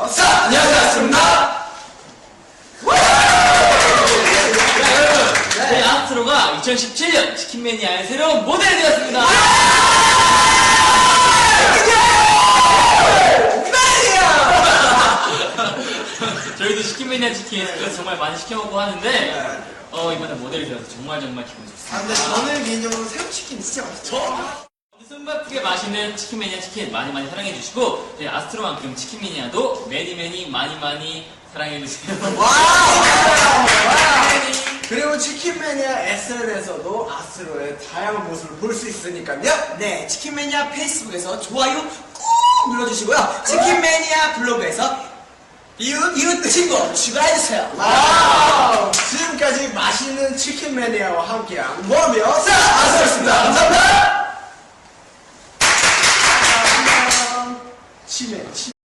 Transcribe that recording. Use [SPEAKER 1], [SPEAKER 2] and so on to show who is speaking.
[SPEAKER 1] 안녕하세요, 아스트로입니다.
[SPEAKER 2] 여러분, 저희 아스트로가 2017년 치킨매니아의 새로운 모델이 되었습니다. 저희도 치킨매니아 치킨 정말 많이 시켜먹고 하는데 이번에 모델이 되어서 정말 기분 좋습니다.
[SPEAKER 1] 근데 저는 개인적으로 새우치킨 진짜 맛있죠.
[SPEAKER 2] 숨바쁘게 맛있는 치킨매니아 치킨 많이 사랑해주시고 저희 아스트로만큼 치킨매니아도 많이 사랑해주세요.
[SPEAKER 1] 그리고 치킨매니아 SNS에서도 아스트로의 다양한 모습을 볼 수 있으니까요.
[SPEAKER 3] 네, 치킨매니아 페이스북에서 좋아요 꾹 눌러주시고요. 치킨매니아 블로그에서 이웃 친구 추가해주세요.
[SPEAKER 1] 지금까지 맛있는 치킨매니아와 함께한 모험이요. 아스트로였습니다. 감사합니다. 치매.